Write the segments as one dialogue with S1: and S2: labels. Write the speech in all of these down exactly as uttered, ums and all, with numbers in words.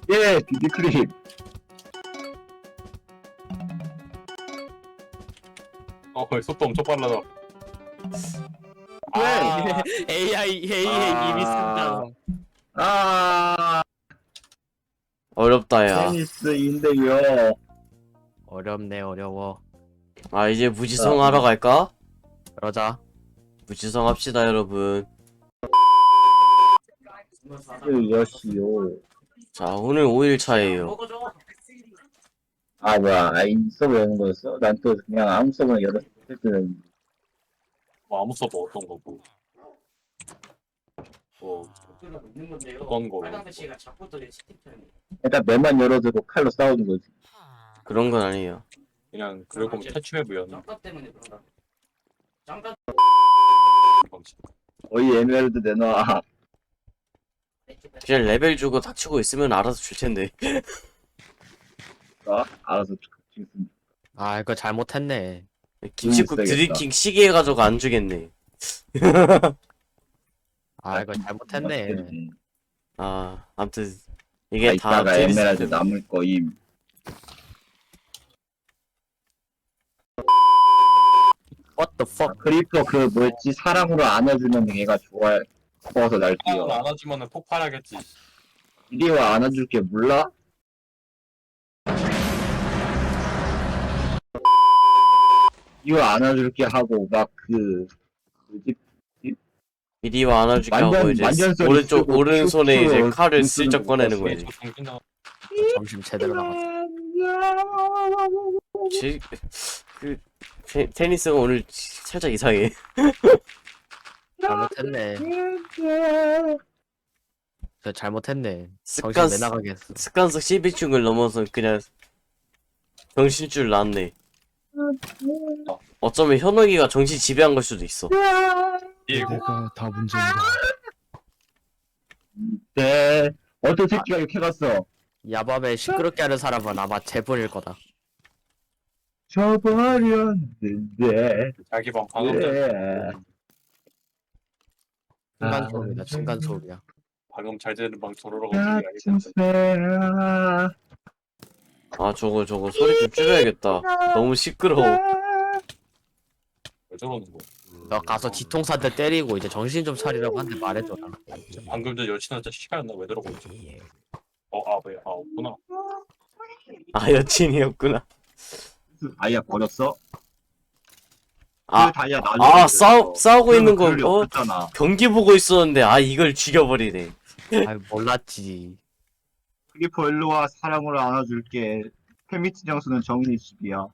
S1: 예, 비비크림.
S2: 어, 거의 속도 엄청 빨라져.
S1: 왜?
S2: 아,
S3: 에이아이 에이아이
S1: 아.
S3: 이미 쓴다.
S1: 아,
S4: 어렵다 야.
S1: 테니스인데요.
S3: 어렵네 어려워.
S4: 아 이제 무지성 하러 갈까?
S3: 그러자.
S4: 무지성 합시다 여러분.
S1: 여시요.
S4: 자 오늘 오 일 차예요.
S1: 아, 뭐야. 아, 이 서버 여는 거였어? 난 또 그냥 아무 서버나 열었을 때는.
S2: 뭐 아무 서버 어떤 거고. 뭐, 어떤 거고.
S1: 일단 맨만 열어두고 칼로 싸우는 거지.
S4: 그런 건 아니에요.
S2: 그냥, 그럴 거면 탈출해보였나?
S1: 어이, 에메랄드 내놔.
S4: 그냥 레벨 주고 닥치고 있으면 알아서 줄 텐데.
S1: 어? 알아서 주겠습니다.
S3: 아 이거 잘못했네.
S4: 김치국
S1: 음,
S4: 드리킹 시계 가져가 안 주겠네.
S3: 아 이거 잘못했네.
S4: 아 아무튼
S1: 아,
S4: 이게 다
S1: 이따가
S4: 드리-
S1: 에메랄드 남을 거임.
S3: What the
S1: 아,
S3: fuck?
S1: 크리퍼 그 뭐였지? 사랑으로 안아주면 얘가 좋아. 커서
S2: 사랑을
S1: 날뛰어.
S2: 안아주면은 폭발하겠지.
S1: 이리 와 안아줄게 몰라? 이거 안아줄게 하고 막 그 뭐지?
S4: 이리와 안아주게
S1: 완전-
S4: 하고 이제
S1: 완전 소리
S4: 오른쪽
S1: 쓰고
S4: 오른손에
S1: 큐,
S4: 이제
S1: 큐
S4: 칼을
S1: 쓰는
S4: 슬쩍
S1: 거
S4: 꺼내는
S1: 봤어.
S4: 거지.
S2: 저 정신 나.
S3: 점심 제대로 나갔어.
S4: 지, 그 테, 테니스가 오늘 살짝 이상해.
S3: 잘못했네. 저 잘못했네.
S4: 습관
S3: 정신 내 나가게 했어.
S4: 습관성 십이중을 넘어서 그냥 정신줄 났네. 어쩌면 현욱이가 정신 지배한 걸 수도 있어.
S2: 이거
S5: 내가 다 문제인가?
S1: 네. 어떤 새끼가 이렇게 갔어?
S3: 야밤에 시끄럽게 하는 사람은 아마 재분일 거다.
S1: 저버렸는데.
S2: 자기 방 방금 전
S1: 예.
S3: 층간 소음이다. 층간 소음이야.
S2: 방금 잘 되는 방 조로라고 얘기하겠다.
S1: 같은 새야.
S4: 아 저거 저거 소리 좀 줄여야겠다. 너무 시끄러워.
S2: 왜 저러는 거?
S3: 너 가서 뒤통수한테 때리고 이제 정신 좀 차리라고 한테 말해줘라.
S2: 방금 전 여친한테 시간나 왜 저러고 있지? 어, 아, 왜? 아, 없구나.
S4: 아 여친이었구나.
S1: 다이아 버렸어?
S4: 아,
S1: 그 다이아 나중에
S4: 아
S1: 버렸어.
S4: 싸우 싸우고 있는 거
S1: 그럴 리
S4: 어?
S1: 없었잖아.
S4: 경기 보고 있었는데 아 이걸 죽여버리네.
S3: 아 몰랐지.
S1: 크리퍼 일로와 사랑으로 안아줄게. 페미트 장수는 정인의 집이야.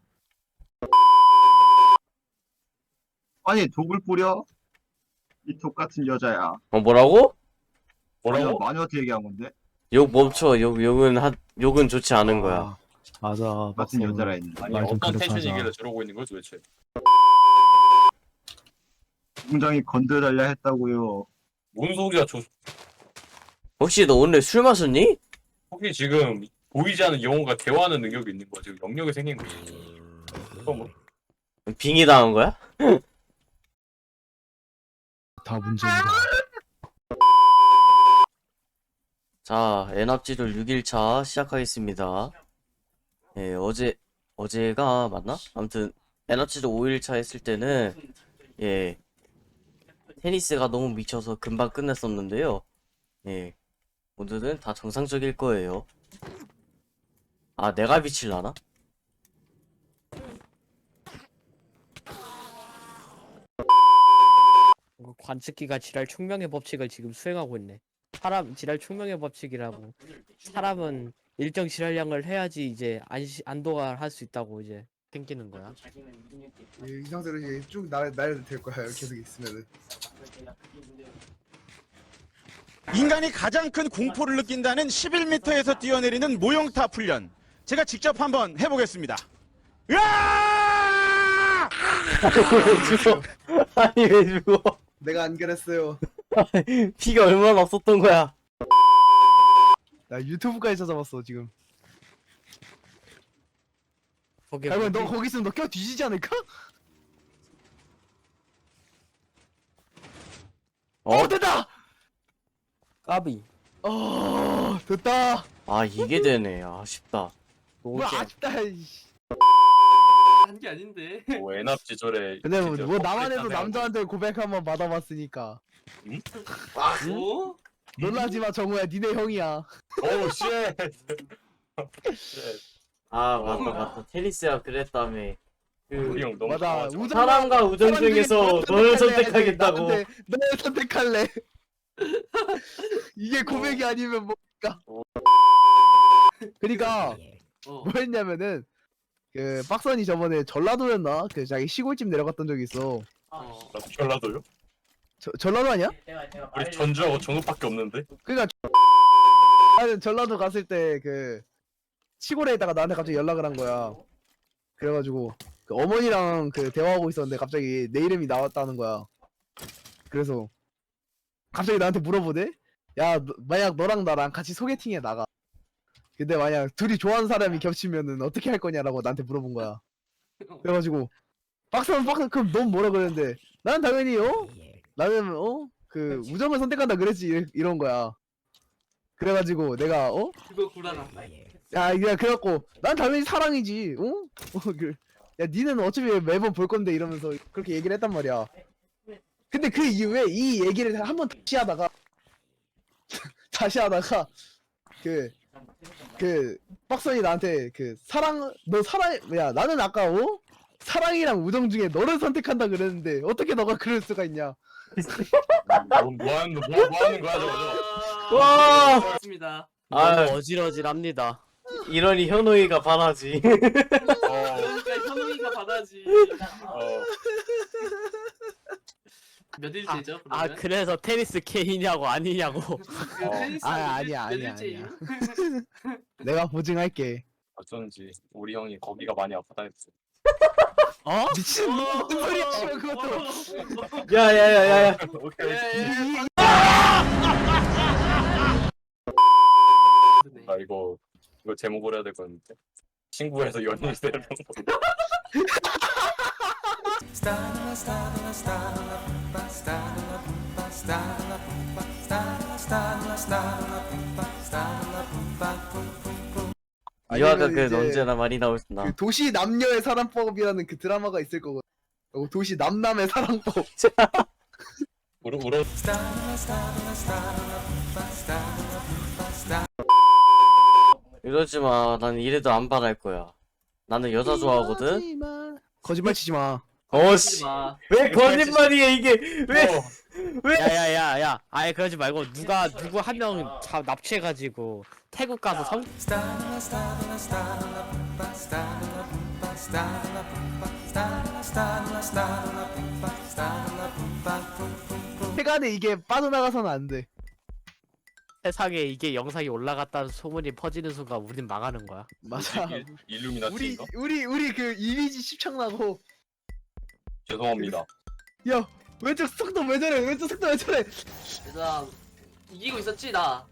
S1: 아니 독을 뿌려? 이 독 같은 여자야.
S4: 어 뭐라고?
S2: 뭐라고?
S1: 마녀한테 얘기한 건데?
S4: 욕 멈춰. 욕 욕은 하 욕은 좋지 않은 거야.
S5: 아, 맞아.
S1: 같은
S5: 박수.
S1: 여자라 했는데.
S2: 아니,
S5: 말 좀
S2: 어떤
S5: 그렇게
S2: 텐션이길래
S5: 하자.
S2: 저러고 있는 거야 도대체?
S1: 공장이 건드달라 했다고요.
S2: 뭔 소리야? 저
S4: 혹시 너 오늘 술 마셨니?
S2: 혹시 지금 보이지 않는 영혼과 대화하는 능력이 있는 거야? 지금 영역이 생긴 거야? 그거 뭐?
S4: 빙의 당한 거야?
S5: 다 문제인가?
S4: 자, 엔합지돌 육 일 차 시작하겠습니다. 예, 어제, 어제가 맞나? 아무튼, 엔합지돌 오 일 차 했을 때는, 예, 테니스가 너무 미쳐서 금방 끝냈었는데요. 예, 오늘은 다 정상적일 거예요. 아, 내가 미칠라나?
S3: 관측기가 지랄 총명의 법칙을 지금 수행하고 있네. 사람 지랄 총명의 법칙이라고. 사람은 일정 지랄량을 해야지 이제 안시, 안도가 할 수 있다고 이제 생기는 거야.
S6: 이 상태로 이제 쭉 날, 날려도 될 거야 계속 있으면은.
S7: 인간이 가장 큰 공포를 느낀다는 십일 미터에서 뛰어내리는 모형탑 훈련. 제가 직접 한번 해보겠습니다. 으아!
S4: 왜 죽어? 아니, 왜 죽어?
S6: 내가 안 그랬어요.
S4: 피가 얼마나 없었던 거야?
S6: 나 유튜브까지 찾아봤어 지금.
S3: 거기
S6: 야, 너 거기 있으면 너 껴 뒤지지 않을까?
S4: 어?
S6: 어 됐다.
S3: 까비.
S6: 어 됐다.
S4: 아 이게 되네. 아쉽다.
S8: 뭐 아쉽다. 이씨.
S9: 한 게 아닌데.
S2: 뭐 애납 지절에
S8: 근데 뭐,
S2: 진짜
S8: 뭐 나만 해도
S2: 컴플레인
S8: 남자한테 고백 한번 받아봤으니까.
S9: 어?
S8: 놀라지 마 정우야, 니네 형이야.
S2: 오우 쉣.
S4: 아 맞다 맞다. 테니스야 그랬다며.
S2: 우리
S4: 그
S2: 형 너무
S8: 맞아.
S2: 강하죠.
S8: 우정-
S4: 사람과 우정
S8: 사람 중에
S4: 중에서
S8: 너를
S4: 너를
S8: 선택할래.
S4: 선택하겠다고.
S8: 나한테 너를 선택할래. 이게 고백이 아니면 뭡니까? 그러니까
S9: 어.
S8: 뭐였냐면은 그 빡선이 저번에 전라도였나? 그 자기 시골집 내려갔던 적이 있어.
S9: 어.
S2: 나도 전라도요?
S8: 저, 전라도 아니야?
S2: 우리 전주하고 전국밖에 없는데.
S8: 그니까 나는 전라도 갔을 때 그 시골에 있다가 나한테 갑자기 연락을 한 거야. 그래가지고 그 어머니랑 그 대화하고 있었는데 갑자기 내 이름이 나왔다는 거야. 그래서 갑자기 나한테 물어보대? 야, 너- 만약 너랑 나랑 같이 소개팅에 나가. 근데 만약 둘이 좋아하는 사람이 겹치면은 어떻게 할 거냐라고 나한테 물어본 거야. 그래가지고 박사는 박사 그럼 넌 뭐라 그랬는데 나는 당연히 어? 나는 어? 그 우정을 선택한다 그랬지 이- 이런 거야. 그래가지고 내가 어?
S9: 그거 구라라.
S8: 야, 그냥 그래갖고 난 당연히 사랑이지, 어? 어, 그, 야, 니는 어차피 매번 볼 건데 이러면서 그렇게 얘기를 했단 말이야. 근데 그 이후에 이 얘기를 한 번 다시 하다가 다시 하다가 그 그 빡선이 나한테 그 사랑 너 사랑 야 나는 아까 어? 사랑이랑 우정 중에 너를 선택한다 그랬는데 어떻게 너가 그럴 수가 있냐?
S2: 뭐, 뭐 하는 뭐, 뭐 하는 거야 저거. 저거.
S4: 와!
S9: 맞습니다.
S4: 아
S3: 너무 어질어질합니다.
S4: 이러니 현우이가 반하지.
S2: 어,
S9: 그러니까 현우이가 받아지.
S2: 어.
S9: 몇 일째죠?
S3: 아
S9: 그러면?
S3: 그래서 테니스 K냐고 아니냐고.
S9: 그
S2: 어.
S9: 테니스
S8: 아,
S9: 몇 일-
S8: 아니야,
S9: 몇
S8: 아니야,
S9: 일째임?
S8: 내가 보증할게.
S2: 어쩐지 우리 형이 거기가 많이 아프다 했어.
S3: 어?
S8: 미친 무슨 소리야 지금 그것도.
S4: 야야야야야.
S2: 오케이.
S9: 예, 예. 네.
S2: 나 이거 이거 제목으로 해야 될 건데. 친구에서 연인 세는 거.
S4: 유아가
S8: 아니면
S4: 그
S8: 이제
S4: 언제나 많이 나오신다.
S8: 그 도시 남녀의 사랑법이라는 그 드라마가 있을 거거든. 어, 도시 남남의 사랑법.
S2: 울어 울어.
S4: 이러지 마. 난 이래도 안 반할 거야. 나는 여자 좋아하거든.
S8: 하지 마. 거짓말 치지 마.
S4: 어씨.
S9: 마.
S4: 왜 거짓말이야 이게? 왜?
S2: 어,
S3: 야야야야. 아예 그러지 말고 누가 누구 한 명 납치해가지고 태국 가서 성.
S8: 세간에 이게 빠져나가서는 안 돼.
S3: 세상에 이게 영상이 올라갔다는 소문이 퍼지는 순간 우린 망하는 거야.
S8: 맞아.
S2: 일-
S8: 우리
S2: 일루미나티인가?
S8: 우리 우리 그 이미지 십창나고.
S2: 죄송합니다.
S8: 야 왼쪽 속도 왜 저래? 왼쪽 속도 왜 저래?
S9: 얘들아 이기고 있었지 나.